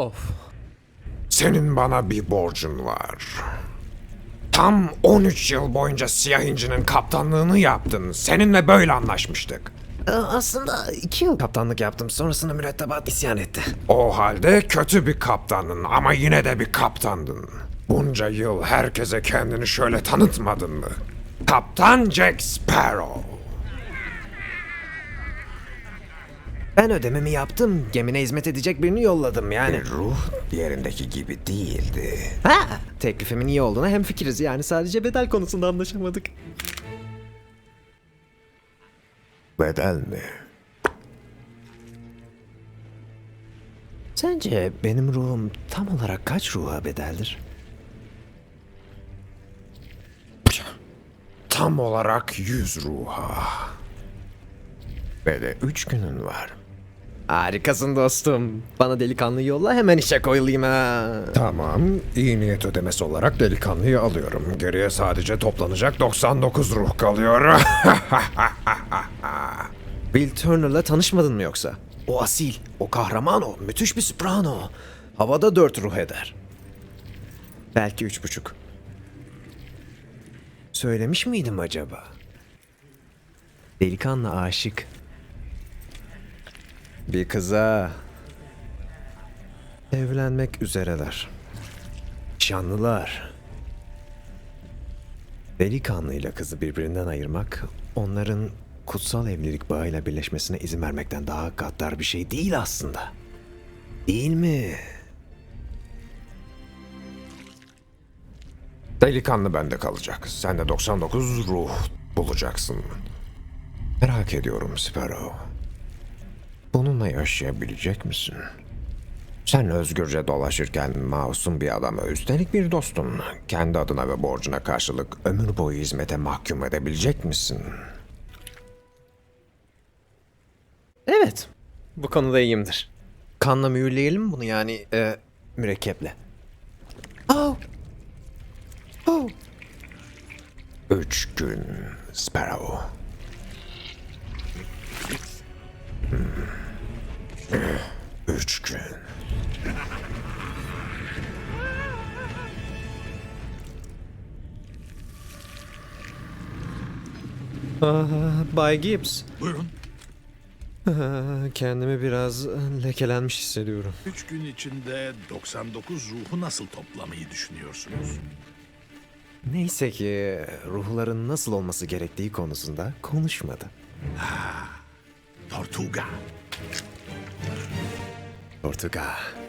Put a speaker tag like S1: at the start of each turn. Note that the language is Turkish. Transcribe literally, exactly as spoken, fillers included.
S1: Of.
S2: Senin bana bir borcun var. Tam on üç yıl boyunca Siyah İnci'nin kaptanlığını yaptın. Seninle böyle anlaşmıştık.
S1: Ee, Aslında iki yıl kaptanlık yaptım. Sonrasında mürettebat isyan etti.
S2: O halde kötü bir kaptandın ama yine de bir kaptandın. Bunca yıl herkese kendini şöyle tanıtmadın mı? Kaptan Jack Sparrow.
S1: Ben ödememi yaptım. Gemine hizmet edecek birini yolladım yani.
S2: Ruh diğerindeki gibi değildi.
S1: Ha! Teklifimin iyi olduğuna hemfikiriz yani sadece bedel konusunda anlaşamadık.
S2: Bedel mi?
S1: Sence benim ruhum tam olarak kaç ruha bedeldir?
S2: Tam olarak yüz ruha. Ve de üç günün var.
S1: Harikasın dostum. Bana delikanlı yolla hemen işe koyulayım ha.
S2: Tamam, iyi niyet ödemesi olarak delikanlıyı alıyorum. Geriye sadece toplanacak doksan dokuz ruh kalıyor.
S1: Will Turner'la tanışmadın mı yoksa? O asil, o kahraman o, müthiş bir soprano. Havada dört ruh eder. Belki üç buçuk. Söylemiş miydim acaba? Delikanlı aşık. Bir kıza. Evlenmek üzereler. Nişanlılar. Delikanlıyla kızı birbirinden ayırmak, onların kutsal evlilik bağıyla birleşmesine izin vermekten daha gaddar bir şey değil aslında. Değil mi?
S2: Delikanlı bende kalacak. Sen de doksan dokuz ruh bulacaksın. Merak ediyorum Sparrow. Bununla yaşayabilecek misin? Sen özgürce dolaşırken masum bir adamı, üstelik bir dostun, kendi adına ve borcuna karşılık ömür boyu hizmete mahkum edebilecek misin?
S1: Evet. Bu konuda iyiyimdir. Kanla mühürleyelim mi bunu yani e, mürekkeple? Oh. Oh.
S2: Üç gün Sparrow. Hmm. Üç gün.
S1: Aa, Bay Gibbs.
S3: Buyurun.
S1: Aa, kendimi biraz lekelenmiş hissediyorum.
S3: Üç gün içinde doksan dokuz ruhu nasıl toplamayı düşünüyorsunuz?
S1: Neyse ki ruhların nasıl olması gerektiği konusunda konuşmadı.
S3: Tortuga.
S1: Ortuga.